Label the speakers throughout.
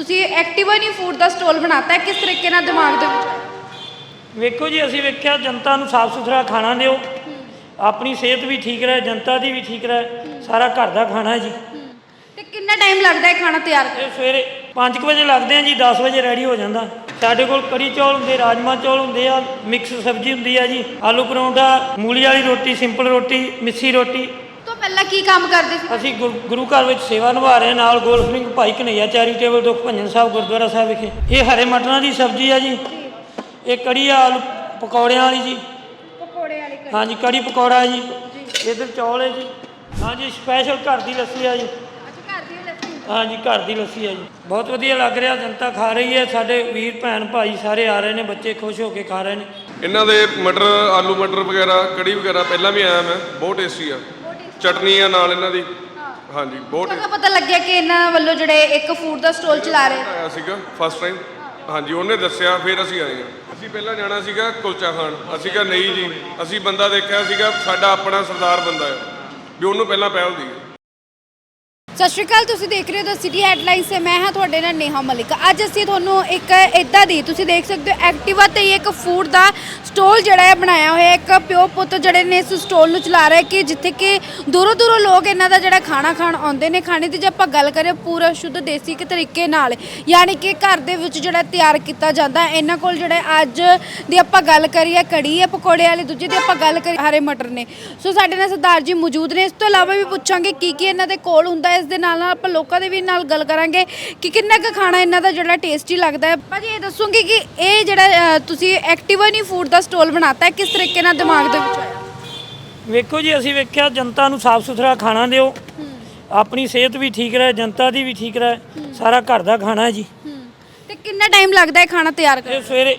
Speaker 1: ਤੁਸੀਂ ਐਕਟਿਵਾ ਨਹੀਂ ਫੂਡ ਦਾ ਸਟਾਲ ਬਣਾਤਾ ਹੈ, ਕਿਸ ਤਰੀਕੇ ਨਾਲ ਦਿਮਾਗ ਦੇ ਵਿੱਚ ਆਇਆ?
Speaker 2: ਵੇਖੋ ਜੀ, ਅਸੀਂ ਵੇਖਿਆ ਜਨਤਾ ਨੂੰ ਸਾਫ਼ ਸੁਥਰਾ ਖਾਣਾ ਦਿਓ, ਆਪਣੀ ਸਿਹਤ ਵੀ ਠੀਕ ਰਹੇ, ਜਨਤਾ ਦੀ ਵੀ ਠੀਕ ਰਹੇ, ਸਾਰਾ ਘਰ ਦਾ ਖਾਣਾ ਹੈ ਜੀ।
Speaker 1: ਤੇ ਕਿੰਨਾ ਟਾਈਮ ਲੱਗਦਾ ਹੈ ਖਾਣਾ ਤਿਆਰ ਕਰਨ?
Speaker 2: ਇਹ ਸਵੇਰੇ 5 ਵਜੇ ਲੱਗਦੇ ਆ ਜੀ, 10 ਵਜੇ ਰੈਡੀ ਹੋ ਜਾਂਦਾ। ਸਾਡੇ ਕੋਲ ਕੜੀ ਚੌਲ ਹੁੰਦੇ, ਰਾਜਮਾ ਚੌਲ ਹੁੰਦੇ ਆ, ਮਿਕਸ ਸਬਜ਼ੀ ਹੁੰਦੀ ਆ ਜੀ, ਆਲੂ ਪਰੌਂਠਾ, ਮੂਲੀ ਵਾਲੀ ਰੋਟੀ, ਸਿੰਪਲ ਰੋਟੀ, ਮਿੱਸੀ ਰੋਟੀ।
Speaker 1: ਤੋਂ ਪਹਿਲਾਂ ਕੀ ਕੰਮ ਕਰਦੇ ਸੀ?
Speaker 2: ਅਸੀਂ ਗੁਰੂ ਘਰ ਵਿੱਚ ਸੇਵਾ ਨਿਭਾ ਰਹੇ, ਨਾਲ ਗੋਲਫ ਸਿੰਘ ਭਾਈ ਕਨਈਆ ਚੈਰੀਟੇਬਲ ਦੁੱਖ ਭੰਜਨ ਸਾਹਿਬ ਗੁਰਦੁਆਰਾ ਸਾਹਿਬ ਵਿਖੇ। ਇਹ ਹਰੇ ਮਟਰਾਂ ਦੀ ਸਬਜ਼ੀ ਆ ਜੀ, ਇਹ ਕੜੀ ਆ ਆਲੂ ਪਕੌੜਿਆਂ ਵਾਲੀ ਜੀ।
Speaker 1: ਪਕੌੜੇ ਵਾਲੀ ਕੜੀ?
Speaker 2: ਹਾਂਜੀ, ਕੜੀ ਪਕੌੜਾ ਜੀ। ਇੱਧਰ ਚੌਲ ਹੈ ਜੀ। ਹਾਂਜੀ, ਸਪੈਸ਼ਲ ਘਰ ਦੀ ਲੱਸੀ ਆ ਜੀ।
Speaker 1: ਅੱਛਾ, ਘਰ ਦੀ ਲੱਸੀ?
Speaker 2: ਹਾਂਜੀ, ਘਰ ਦੀ ਲੱਸੀ ਆ ਜੀ। ਬਹੁਤ ਵਧੀਆ ਲੱਗ ਰਿਹਾ, ਜਨਤਾ ਖਾ ਰਹੀ ਹੈ, ਸਾਡੇ ਵੀਰ ਭੈਣ ਭਾਈ ਸਾਰੇ ਆ ਰਹੇ ਨੇ, ਬੱਚੇ ਖੁਸ਼ ਹੋ ਕੇ ਖਾ ਰਹੇ ਨੇ।
Speaker 3: ਇਹਨਾਂ ਦੇ ਮਟਰ, ਆਲੂ ਮਟਰ ਵਗੈਰਾ, ਕੜੀ ਵਗੈਰਾ ਪਹਿਲਾਂ ਵੀ ਆਇਆ ਮੈਂ, ਬਹੁਤ ਟੇਸਟੀ ਆ। ਚਟਨੀ ਆ ਨਾਲ ਇਹਨਾਂ ਦੀ। ਹਾਂਜੀ, ਬਹੁਤ
Speaker 1: ਕਦੋਂ ਪਤਾ ਲੱਗਿਆ ਕਿ ਇਹਨਾਂ ਵੱਲੋਂ ਜਿਹੜੇ ਇੱਕ ਫੂਡ ਦਾ ਸਟਾਲ ਚਲਾ ਰਹੇ?
Speaker 3: ਆਇਆ ਸੀਗਾ ਫਸਟ ਟਾਈਮ। ਹਾਂਜੀ, ਉਹਨੇ ਦੱਸਿਆ, ਫਿਰ ਅਸੀਂ ਆਏ ਹਾਂ। ਅਸੀਂ ਪਹਿਲਾਂ ਜਾਣਾ ਸੀਗਾ ਕੁਲਚਾ ਖਾਣ, ਅਸੀਂ ਕਿਹਾ ਨਹੀਂ ਜੀ, ਅਸੀਂ ਬੰਦਾ ਦੇਖਿਆ ਸੀਗਾ, ਸਾਡਾ ਆਪਣਾ ਸਰਦਾਰ ਬੰਦਾ ਹੈ ਵੀ ਉਹਨੂੰ ਪਹਿਲਾਂ ਪਹਿਲ ਦੀ।
Speaker 1: ਸਤਿ ਸ਼੍ਰੀ ਅਕਾਲ, ਤੁਸੀਂ ਦੇਖ ਰਹੇ ਹੋ ਦ ਸਿਟੀ ਹੈਡਲਾਈਨਸ ਤੇ ਮੈਂ ਹਾਂ ਤੁਹਾਡੇ ਨਾਲ ਨੇਹਾ ਮਲਿਕ। ਅੱਜ ਅਸੀਂ ਤੁਹਾਨੂੰ ਇੱਕ ਇੱਦਾਂ ਦੀ, ਤੁਸੀਂ ਦੇਖ ਸਕਦੇ ਹੋ ਐਕਟਿਵਾ ਤੇ ਇੱਕ ਫੂਡ ਦਾ ਸਟਾਲ ਜਿਹੜਾ ਹੈ ਬਣਾਇਆ ਹੋਇਆ। ਇੱਕ ਪਿਓ ਪੁੱਤ ਜਿਹੜੇ ਨੇ ਇਸ ਸਟਾਲ ਨੂੰ ਚਲਾ ਰਹੇ ਕਿ ਜਿੱਥੇ ਕਿ ਦੂਰੋਂ ਦੂਰੋਂ ਲੋਕ ਇਹਨਾਂ ਦਾ ਜਿਹੜਾ ਖਾਣਾ ਖਾਣ ਆਉਂਦੇ ਨੇ। ਖਾਣੇ ਦੀ ਜੇ ਆਪਾਂ ਗੱਲ ਕਰੀਏ ਪੂਰਾ ਸ਼ੁੱਧ ਦੇਸੀ ਤਰੀਕੇ ਨਾਲ, ਯਾਨੀ ਕਿ ਘਰ ਦੇ ਵਿੱਚ ਜਿਹੜਾ ਤਿਆਰ ਕੀਤਾ ਜਾਂਦਾ। ਇਹਨਾਂ ਕੋਲ ਜਿਹੜੇ ਅੱਜ ਦੀ ਆਪਾਂ ਗੱਲ ਕਰੀਏ ਕੜੀ ਹੈ ਪਕੌੜੇ ਵਾਲੀ, ਦੂਜੀ ਦੀ ਆਪਾਂ ਗੱਲ ਕਰੀਏ ਹਰੇ ਮਟਰ ਨੇ। ਸੋ ਸਾਡੇ ਨਾਲ ਸਰਦਾਰ ਜੀ ਮੌਜੂਦ ਨੇ। ਇਸ ਤੋਂ ਇਲਾਵਾ ਵੀ ਪੁੱਛਾਂਗੇ ਕੀ ਇਹਨਾਂ ਦੇ ਕੋਲ ਹੁੰਦਾ। ਇਸ ਦੇ ਨਾਲ ਆਪਾਂ ਲੋਕਾਂ ਦੇ ਵੀ ਨਾਲ ਗੱਲ ਕਰਾਂਗੇ ਕਿ ਕਿੰਨਾ ਕੁ ਖਾਣਾ ਇਹਨਾਂ ਦਾ ਜਿਹੜਾ ਟੇਸਟੀ ਲੱਗਦਾ ਹੈ। ਭਾਜੀ ਇਹ ਦੱਸੋਗੇ ਕਿ ਇਹ ਜਿਹੜਾ ਤੁਸੀਂ ਐਕਟਿਵਾ ਨਹੀਂ ਫੂਡ ਦਾ ਸਟਾਲ ਬਣਾਤਾ ਹੈ, ਕਿਸ ਤਰੀਕੇ ਨਾਲ ਦਿਮਾਗ ਦੇ ਵਿੱਚ ਆਇਆ?
Speaker 2: ਵੇਖੋ ਜੀ, ਅਸੀਂ ਵੇਖਿਆ ਜਨਤਾ ਨੂੰ ਸਾਫ਼ ਸੁਥਰਾ ਖਾਣਾ ਦਿਓ, ਆਪਣੀ ਸਿਹਤ ਵੀ ਠੀਕ ਰਹੇ, ਜਨਤਾ ਦੀ ਵੀ ਠੀਕ ਰਹੇ, ਸਾਰਾ ਘਰ ਦਾ ਖਾਣਾ ਹੈ ਜੀ।
Speaker 1: ਤੇ ਕਿੰਨਾ ਟਾਈਮ ਲੱਗਦਾ ਹੈ ਖਾਣਾ ਤਿਆਰ ਕਰਨ?
Speaker 2: ਇਹ ਸਵੇਰੇ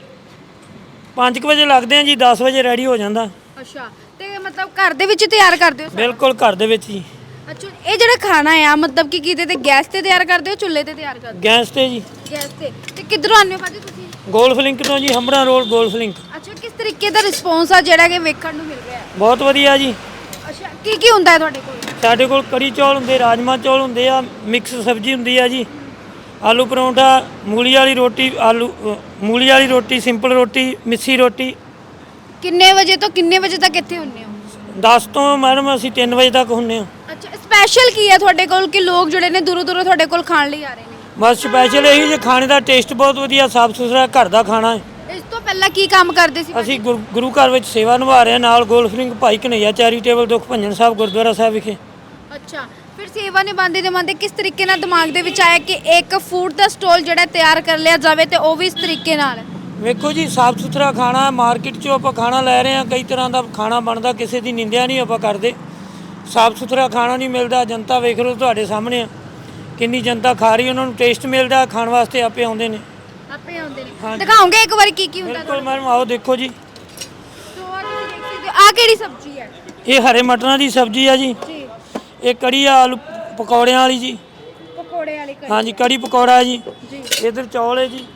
Speaker 2: 5 ਵਜੇ ਲੱਗਦੇ ਆ ਜੀ, 10 ਵਜੇ ਰੈਡੀ ਹੋ ਜਾਂਦਾ।
Speaker 1: ਅੱਛਾ, ਤੇ ਮਤਲਬ ਘਰ ਦੇ ਵਿੱਚ ਤਿਆਰ ਕਰਦੇ ਹੋ?
Speaker 2: ਬਿਲਕੁਲ ਘਰ ਦੇ ਵਿੱਚ ਜੀ।
Speaker 1: ਅੱਛਾ, ਇਹ ਜਿਹੜਾ ਖਾਣਾ ਆ ਮਤਲਬ ਕਿ ਕਿਤੇ ਤੇ ਗੈਸ ਤੇ ਤਿਆਰ ਕਰਦੇ ਹੋ, ਚੁੱਲ੍ਹੇ ਤੇ ਤਿਆਰ ਕਰਦੇ ਹੋ?
Speaker 2: ਗੈਸ ਤੇ ਜੀ।
Speaker 1: ਗੈਸ ਤੇ ਕਿੱਧਰੋਂ ਆਉਂਦੇ ਹੋ ਭਾਜੀ ਤੁਸੀਂ?
Speaker 2: ਗੋਲਫ ਲਿੰਕ ਤੋਂ ਜੀ, ਹੰਬੜਾ ਰੋਡ ਗੋਲਫ ਲਿੰਕ।
Speaker 1: ਅੱਛਾ, ਕਿਸ ਤਰੀਕੇ ਦਾ ਰਿਸਪੌਂਸ ਆ ਜਿਹੜਾ ਕਿ ਵੇਖਣ ਨੂੰ ਮਿਲ ਰਿਹਾ ਹੈ?
Speaker 2: ਬਹੁਤ ਵਧੀਆ ਜੀ।
Speaker 1: ਅੱਛਾ, ਕੀ ਹੁੰਦਾ ਹੈ ਤੁਹਾਡੇ ਕੋਲ?
Speaker 2: ਸਾਡੇ ਕੋਲ ਕੜੀ ਚੌਲ ਹੁੰਦੇ, ਰਾਜਮਾ ਚੌਲ ਹੁੰਦੇ ਆ, ਮਿਕਸ ਸਬਜ਼ੀ ਹੁੰਦੀ ਆ ਜੀ, ਆਲੂ ਪਰੌਂਠਾ, ਮੂਲੀ ਵਾਲੀ ਰੋਟੀ, ਮੂਲੀ ਵਾਲੀ ਰੋਟੀ, ਸਿੰਪਲ ਰੋਟੀ, ਮਿੱਸੀ ਰੋਟੀ।
Speaker 1: ਕਿੰਨੇ ਵਜੇ ਤੋਂ ਕਿੰਨੇ ਵਜੇ ਤੱਕ ਇੱਥੇ ਹੁੰਦੇ ਹੋ?
Speaker 2: 10 ਤੋਂ ਮੈਡਮ ਅਸੀਂ 3 ਵਜੇ ਤੱਕ ਹੁੰਦੇ ਹਾਂ।
Speaker 1: ਅੱਛਾ, ਸਪੈਸ਼ਲ ਕੀ ਹੈ ਤੁਹਾਡੇ ਕੋਲ ਕਿ ਲੋਕ ਜਿਹੜੇ ਨੇ ਦੂਰੋਂ ਦੂਰੋਂ ਤੁਹਾਡੇ ਕੋਲ ਖਾਣ ਲਈ ਆ ਰਹੇ ਨੇ?
Speaker 2: ਬਸ ਸਪੈਸ਼ਲ ਇਹੀ ਜੇ ਖਾਣੇ ਦਾ ਟੇਸਟ ਬਹੁਤ ਵਧੀਆ, ਸਾਫ਼ ਸੁਥਰਾ ਘਰ ਦਾ ਖਾਣਾ ਹੈ।
Speaker 1: ਇਸ ਤੋਂ ਪਹਿਲਾਂ ਕੀ ਕੰਮ ਕਰਦੇ ਸੀ?
Speaker 2: ਅਸੀਂ ਗੁਰੂ ਘਰ ਵਿੱਚ ਸੇਵਾ ਨਿਭਾ ਰਹੇ, ਨਾਲ ਗੋਲਫ ਸਿੰਘ ਭਾਈ ਕਨਈਆ ਚੈਰੀਟੇਬਲ ਦੁੱਖ ਭੰਜਨ ਸਾਹਿਬ ਗੁਰਦੁਆਰਾ ਸਾਹਿਬ ਵਿਖੇ।
Speaker 1: ਅੱਛਾ, ਫਿਰ ਸੇਵਾ ਨਿਭਾਉਂਦੇ ਕਿਸ ਤਰੀਕੇ ਨਾਲ ਦਿਮਾਗ ਦੇ ਵਿੱਚ ਆਇਆ ਕਿ ਇੱਕ ਫੂਡ ਦਾ ਸਟਾਲ ਜਿਹੜਾ ਤਿਆਰ ਕਰ ਲਿਆ ਜਾਵੇ ਤੇ ਉਹ ਵੀ ਇਸ ਤਰੀਕੇ ਨਾਲ?
Speaker 2: ਵੇਖੋ ਜੀ, ਸਾਫ਼ ਸੁਥਰਾ ਖਾਣਾ, ਮਾਰਕੀਟ 'ਚੋਂ ਆਪਾਂ ਖਾਣਾ ਲੈ ਰਹੇ ਹਾਂ, ਕਈ ਤਰ੍ਹਾਂ ਦਾ ਖਾਣਾ ਬਣਦਾ, ਕਿਸੇ ਦੀ ਨਿੰਦਿਆ ਨਹੀਂ ਆਪਾਂ ਕਰਦੇ। ਸਾਫ਼ ਸੁਥਰਾ ਖਾਣਾ ਨਹੀਂ ਮਿਲਦਾ, ਜਨਤਾ ਵੇਖ ਲਓ ਤੁਹਾਡੇ ਸਾਹਮਣੇ ਆ, ਕਿੰਨੀ ਜਨਤਾ ਖਾ ਰਹੀ, ਉਹਨਾਂ ਨੂੰ ਟੇਸਟ ਮਿਲਦਾ, ਖਾਣ ਵਾਸਤੇ ਆਪੇ ਆਉਂਦੇ ਨੇ।
Speaker 1: ਆਪੇ ਆਉਂਦੇ ਨੇ? ਦਿਖਾਓਗੇ ਇੱਕ ਵਾਰੀ ਕੀ ਕੀ ਹੁੰਦਾ?
Speaker 2: ਬਿਲਕੁਲ ਮੈਡਮ, ਆਓ ਦੇਖੋ ਜੀ।
Speaker 1: ਸੋ ਆ ਤੁਸੀਂ ਦੇਖ ਸਕਦੇ ਹੋ, ਆ ਕਿਹੜੀ ਸਬਜ਼ੀ ਹੈ?
Speaker 2: ਇਹ ਹਰੇ ਮਟਰਾਂ ਦੀ ਸਬਜ਼ੀ ਆ ਜੀ।
Speaker 1: ਜੀ,
Speaker 2: ਇਹ ਕੜੀ ਆ ਆਲੂ ਪਕੌੜਿਆਂ ਵਾਲੀ ਜੀ।
Speaker 1: ਪਕੌੜੇ ਵਾਲੀ ਕੜੀ?
Speaker 2: ਹਾਂਜੀ, ਕੜੀ ਪਕੌੜਾ ਜੀ।
Speaker 1: ਜੀ,
Speaker 2: ਇੱਧਰ ਚੌਲ ਹੈ ਜੀ,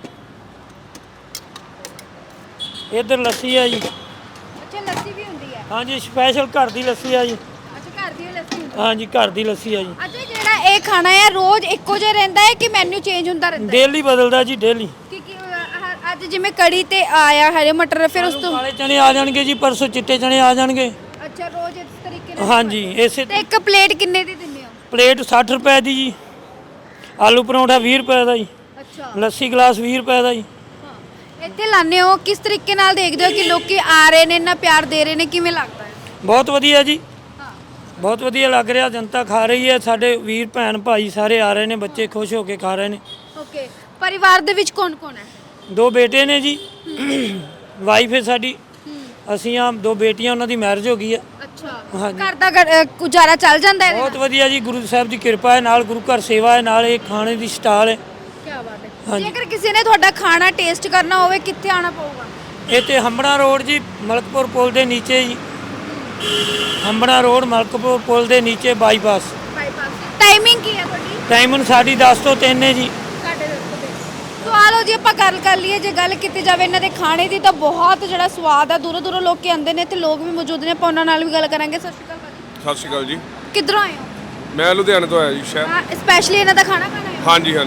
Speaker 2: ਇੱਧਰ ਲੱਸੀ ਹੈ ਜੀ।
Speaker 1: ਅੱਛਾ, ਲੱਸੀ ਵੀ ਹੁੰਦੀ ਹੈ?
Speaker 2: ਹਾਂਜੀ, ਸਪੈਸ਼ਲ ਘਰ ਦੀ ਲੱਸੀ ਆ ਜੀ।
Speaker 1: ਅੱਛਾ, ਘਰ ਦੀ ਲੱਸੀ ਹੁੰਦੀ ਹੈ?
Speaker 2: ਹਾਂਜੀ, ਘਰ ਦੀ ਲੱਸੀ ਆ ਜੀ।
Speaker 1: ਅੱਛਾ, ਜਿਹੜਾ ਇਹ ਖਾਣਾ ਹੈ ਰੋਜ਼ ਇੱਕੋ ਜਿਹਾ ਰਹਿੰਦਾ ਹੈ ਕਿ ਮੈਨੂ ਚੇਂਜ ਹੁੰਦਾ ਰਹਿੰਦਾ ਹੈ?
Speaker 2: ਡੇਲੀ ਬਦਲਦਾ ਜੀ, ਡੇਲੀ।
Speaker 1: ਕਿ ਅੱਜ ਜਿਵੇਂ ਕੜੀ ਤੇ ਆਇਆ ਹਰੇ ਮਟਰ, ਫਿਰ ਉਸ ਤੋਂ
Speaker 2: ਕਾਲੇ ਚਨੇ ਆ ਜਾਣਗੇ ਜੀ, ਪਰਸੋਂ ਚਿੱਟੇ ਚਨੇ ਆ ਜਾਣਗੇ।
Speaker 1: ਅੱਛਾ, ਰੋਜ਼ ਇਸ ਤਰੀਕੇ ਨਾਲ?
Speaker 2: ਹਾਂਜੀ, ਇਸੇ
Speaker 1: ਤੇ ਇੱਕ ਪਲੇਟ ਕਿੰਨੇ ਦੀ ਦਿੰਦੇ ਹੋ?
Speaker 2: ਪਲੇਟ 60 ਰੁਪਏ ਦੀ ਜੀ, ਆਲੂ ਪਰੌਂਠਾ 20 ਰੁਪਏ ਦਾ ਜੀ,
Speaker 1: ਅੱਛਾ,
Speaker 2: ਲੱਸੀ ਗਲਾਸ 20 ਰੁਪਏ ਦਾ ਜੀ।
Speaker 1: ਹਾਂ, ਇੱਥੇ ਲਾਣੇ ਹੋ, ਕਿਸ ਤਰੀਕੇ ਨਾਲ ਦੇਖਦੇ ਹੋ ਕਿ ਲੋਕੀ ਆ ਰਹੇ ਨੇ, ਇੰਨਾ ਪਿਆਰ ਦੇ ਰਹੇ ਨੇ, ਕਿਵੇਂ ਲੱਗਦਾ ਹੈ?
Speaker 2: ਬਹੁਤ ਵਧੀਆ ਜੀ,
Speaker 1: ਹਾਂ,
Speaker 2: ਬਹੁਤ ਵਧੀਆ ਲੱਗ ਰਿਹਾ, ਜਨਤਾ ਖਾ ਰਹੀ ਹੈ, ਸਾਡੇ ਵੀਰ ਭੈਣ ਭਾਈ ਸਾਰੇ ਆ ਰਹੇ ਨੇ, ਬੱਚੇ ਖੁਸ਼ ਹੋ ਕੇ ਖਾ ਰਹੇ ਨੇ।
Speaker 1: ਓਕੇ, ਪਰਿਵਾਰ ਦੇ ਵਿੱਚ ਕੌਣ ਕੌਣ ਹੈ?
Speaker 2: 2 ਬੇਟੇ ਨੇ ਜੀ, ਵਾਈਫ ਹੈ ਸਾਡੀ, ਅਸੀਂ ਆ 2 ਬੇਟੀਆਂ, ਉਹਨਾਂ ਦੀ ਮੈਰਿਜ ਹੋ ਗਈ ਹੈ।
Speaker 1: ਅੱਛਾ,
Speaker 2: ਹਾਂਜੀ।
Speaker 1: ਘਰ ਦਾ ਗੁਜ਼ਾਰਾ ਚੱਲ ਜਾਂਦਾ ਹੈ?
Speaker 2: ਬਹੁਤ ਵਧੀਆ ਜੀ, ਗੁਰੂ ਸਾਹਿਬ ਦੀ ਕਿਰਪਾ ਹੈ, ਨਾਲ ਗੁਰੂ ਘਰ ਸੇਵਾ ਹੈ, ਨਾਲ ਇਹ ਖਾਣੇ ਦੀ ਸਟਾਲ ਹੈ।
Speaker 1: ਕੀ ਬਾਤ ਹੈ।
Speaker 2: ਹਾਂਜੀ।
Speaker 1: ਜੇਕਰ ਕਿਸੇ ਨੇ ਤੁਹਾਡਾ ਖਾਣਾ ਟੇਸਟ ਕਰਨਾ ਹੋਵੇ ਕਿੱਥੇ ਆਣਾ ਪਊਗਾ?
Speaker 2: ਇਹ ਤੇ ਹੰਬੜਾ ਰੋਡ ਜੀ, ਮਲਕਪੁਰ ਪੁਲ ਦੇ ਨੀਚੇ ਜੀ, ਹੰਬੜਾ ਰੋਡ ਮਲਕਪੁਰ ਪੁਲ ਦੇ ਨੀਚੇ ਬਾਈਪਾਸ।
Speaker 1: ਟਾਈਮਿੰਗ ਕੀ ਹੈ ਤੁਹਾਡੀ?
Speaker 2: ਟਾਈਮਿੰਗ ਸਾਡੀ 10 ਤੋਂ 3 ਹੈ ਜੀ।
Speaker 1: ਸੋ ਆ ਲਓ ਜੀ, ਆਪਾਂ ਗੱਲ ਕਰ ਲਈਏ, ਜੇ ਗੱਲ ਕੀਤੀ ਜਾਵੇ ਇਹਨਾਂ ਦੇ ਖਾਣੇ ਦੀ ਤਾਂ ਬਹੁਤ ਜਿਹੜਾ ਸਵਾਦ ਆ, ਦੂਰੋਂ ਦੂਰੋਂ ਲੋਕ ਆਉਂਦੇ ਨੇ ਤੇ ਲੋਕ ਵੀ ਮੌਜੂਦ ਨੇ, ਆਪਾਂ ਉਹਨਾਂ ਨਾਲ ਵੀ ਗੱਲ ਕਰਾਂਗੇ। ਸਤਿ ਸ਼੍ਰੀ ਅਕਾਲ ਭਾਜੀ।
Speaker 3: ਸਤਿ ਸ਼੍ਰੀ ਅਕਾਲ ਜੀ।
Speaker 1: ਕਿੱਧਰੋਂ ਆਏ ਹੋ?
Speaker 3: ਮੈਂ ਲੁਧਿਆਣੇ ਤੋਂ ਆਇਆ ਜੀ ਸ਼ਹਿਰ।
Speaker 1: ਹਾਂ, ਸਪੈਸ਼ਲੀ ਇਹਨਾਂ ਦਾ ਖਾਣਾ ਖਾਣਾ ਹੈ?
Speaker 3: ਹਾਂਜੀ ਹਾਂਜੀ।
Speaker 1: ਕੀ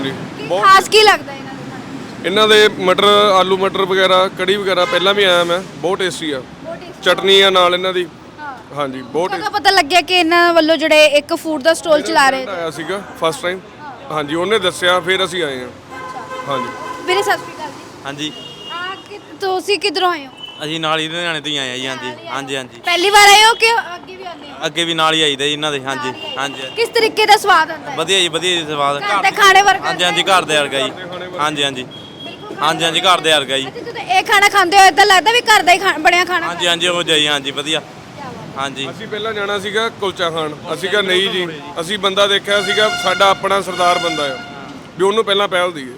Speaker 3: ਬਹੁਤ
Speaker 1: ਖਾਸ ਕੀ ਲੱਗਦਾ ਇਹਨਾਂ ਦੇ ਖਾਣੇ
Speaker 3: ਇਹਨਾਂ ਦੇ ਮਟਰ ਆਲੂ ਮਟਰ ਵਗੈਰਾ ਕੜੀ ਵਗੈਰਾ ਪਹਿਲਾਂ ਵੀ ਆਇਆ ਮੈਂ, ਬਹੁਤ ਟੇਸਟੀ ਆ। ਚਟਨੀ ਆ ਨਾਲ ਇਹਨਾਂ ਦੀ। ਹਾਂਜੀ ਬਹੁਤ
Speaker 1: ਕਦੋਂ ਪਤਾ ਲੱਗਿਆ ਕਿ ਇਹਨਾਂ ਵੱਲੋਂ ਜਿਹੜੇ ਇੱਕ ਫੂਡ ਦਾ ਸਟਾਲ ਚਲਾ ਰਹੇ
Speaker 3: ਆਇਆ ਸੀਗਾ ਫਸਟ ਟਾਈਮ। ਹਾਂਜੀ ਉਹਨੇ ਦੱਸਿਆ ਫਿਰ ਅਸੀਂ ਆਏ ਹਾਂ। ਹਾਂਜੀ
Speaker 1: ਵੀਰੇ ਸਤਿ ਸ਼੍ਰੀ ਅਕਾਲ ਜੀ।
Speaker 4: ਹਾਂਜੀ
Speaker 1: ਤੁਸੀਂ ਕਿੱਧਰੋਂ ਆਏ ਹੋ?
Speaker 4: ਅਸੀਂ ਨਾਲ ਹੀ ਲੁਧਿਆਣੇ ਤੋਂ ਹੀ ਆਏ ਆ ਜੀ। ਹਾਂਜੀ ਹਾਂਜੀ ਹਾਂਜੀ
Speaker 1: ਪਹਿਲੀ ਵਾਰ ਆਏ ਹੋ ਕਿ ਅੱਗੇ ਵੀ ਆਉਂਦੇ ਹੋ?
Speaker 4: ਅੱਗੇ ਵੀ ਨਾਲ ਹੀ ਆਈਦਾ ਜੀ ਇਹਨਾਂ ਦੇ। ਹਾਂਜੀ ਹਾਂਜੀ
Speaker 1: ਕਿਸ ਤਰੀਕੇ ਦਾ ਸਵਾਦ ਆਉਂਦਾ ਹੈ?
Speaker 4: ਵਧੀਆ ਜੀ ਸਵਾਦ
Speaker 1: ਘਰ ਦੇ ਖਾਣੇ ਵਰਗਾ?
Speaker 4: ਹਾਂਜੀ ਹਾਂਜੀ ਘਰ ਦੇ ਵਰਗਾ ਜੀ। ਹਾਂਜੀ ਹਾਂਜੀ ਹਾਂਜੀ ਹਾਂਜੀ ਘਰ ਦੇ ਵਰਗਾ ਜੀ।
Speaker 1: ਅੱਛਾ, ਜਦੋਂ ਇਹ ਖਾਣਾ ਖਾਂਦੇ ਹੋ ਇਦਾਂ ਲੱਗਦਾ ਵੀ ਘਰ ਦਾ ਹੀ ਬਣਿਆ ਖਾਣਾ
Speaker 4: ਹਾਂਜੀ ਹਾਂਜੀ ਉਹ ਜਾਈ ਹਾਂਜੀ ਵਧੀਆ। ਹਾਂਜੀ
Speaker 3: ਅਸੀਂ ਪਹਿਲਾਂ ਜਾਣਾ ਸੀਗਾ ਕੁਲਚਾ ਖਾਣ, ਅਸੀਂ ਕਿਹਾ ਨਹੀਂ ਜੀ, ਅਸੀਂ ਬੰਦਾ ਦੇਖਿਆ ਸੀਗਾ ਸਾਡਾ ਆਪਣਾ ਸਰਦਾਰ ਬੰਦਾ ਆ, ਵੀ ਉਹਨੂੰ ਪਹਿਲਾਂ ਪਹਿਲ ਦਈਏ।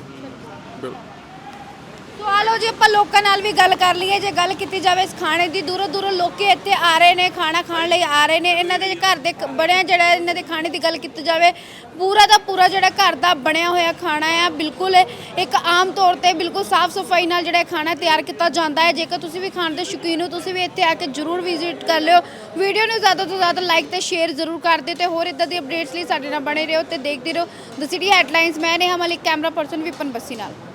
Speaker 1: ਸੋ ਆ ਲਓ ਜੀ ਆਪਾਂ ਲੋਕਾਂ ਨਾਲ ਵੀ ਗੱਲ ਕਰ ਲਈਏ। ਜੇ ਗੱਲ ਕੀਤੀ ਜਾਵੇ ਇਸ ਖਾਣੇ ਦੀ, ਦੂਰੋਂ ਦੂਰੋਂ ਲੋਕੀ ਇੱਥੇ ਆ ਰਹੇ ਨੇ, ਖਾਣਾ ਖਾਣ ਲਈ ਆ ਰਹੇ ਨੇ। ਇਹਨਾਂ ਦੇ ਘਰ ਦੇ ਬਣਿਆ ਜਿਹੜਾ ਇਹਨਾਂ ਦੇ ਖਾਣੇ ਦੀ ਗੱਲ ਕੀਤੀ ਜਾਵੇ, ਪੂਰਾ ਦਾ ਪੂਰਾ ਜਿਹੜਾ ਘਰ ਦਾ ਬਣਿਆ ਹੋਇਆ ਖਾਣਾ ਆ। ਬਿਲਕੁਲ ਇੱਕ ਆਮ ਤੌਰ ਤੇ ਬਿਲਕੁਲ ਸਾਫ਼ ਸਫਾਈ ਨਾਲ ਜਿਹੜਾ ਖਾਣਾ ਤਿਆਰ ਕੀਤਾ ਜਾਂਦਾ ਹੈ। ਜੇਕਰ ਤੁਸੀਂ ਵੀ ਖਾਣ ਦੇ ਸ਼ੌਕੀਨ ਹੋ, ਤੁਸੀਂ ਵੀ ਇੱਥੇ ਆ ਕੇ ਜ਼ਰੂਰ ਵਿਜ਼ਿਟ ਕਰ ਲਿਓ। ਵੀਡੀਓ ਨੂੰ ਜ਼ਿਆਦਾ ਤੋਂ ਜ਼ਿਆਦਾ ਲਾਈਕ ਤੇ ਸ਼ੇਅਰ ਜ਼ਰੂਰ ਕਰ ਦਿਓ ਤੇ ਹੋਰ ਇਦਾਂ ਦੀ ਅਪਡੇਟਸ ਲਈ ਸਾਡੇ ਨਾਲ ਬਣੇ ਰਹੋ ਤੇ ਦੇਖਦੇ ਰਹੋ ਦ ਸਿਟੀ ਹੈਡਲਾਈਨਸ। ਮੈਂ ਨੇਹਾ ਮਲਿਕ, ਕੈਮਰਾ ਪਰਸਨ ਵਿਪਨ ਬੱਸੀ ਨਾਲ।